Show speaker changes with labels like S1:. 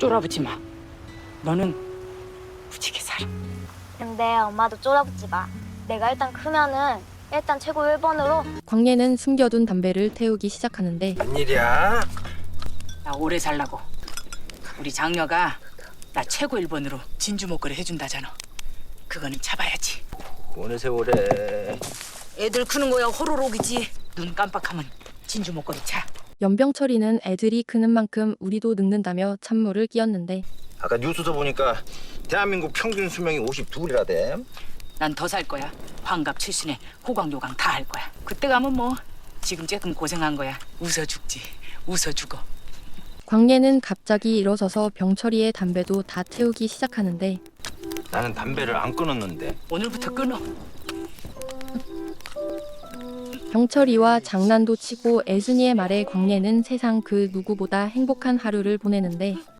S1: 쫄아붙지 마. 너는 무지개 살아.
S2: 근데 엄마도 쫄아붙지 마. 내가 일단 크면은 일단 최고 1번으로.
S3: 광예는 숨겨둔 담배를 태우기 시작하는데
S4: 웬일이야?
S1: 나 오래 살라고. 우리 장녀가 나 최고 1번으로 진주 목걸이 해준다잖아. 그거는 잡아야지.
S4: 어느 세월에.
S1: 애들 크는 거야 호로록이지. 눈 깜빡하면 진주 목걸이 차.
S3: 연병철이는 애들이 크는 만큼 우리도 늙는다며 찬물을 끼얹는데
S4: 아까 뉴스서 보니까 대한민국 평균 수명이 52이라대.
S1: 난 더 살 거야. 환갑 출신에 호강 요강 다 할 거야. 그때 가면 뭐 지금 조금 고생한 거야. 웃어 죽지. 웃어 죽어.
S3: 광예는 갑자기 일어서서 병철이의 담배도 다 태우기 시작하는데
S4: 나는 담배를 안 끊었는데.
S1: 오늘부터 끊어.
S3: 병철이와 장난도 치고 애순이의 말에 광예는 세상 그 누구보다 행복한 하루를 보내는데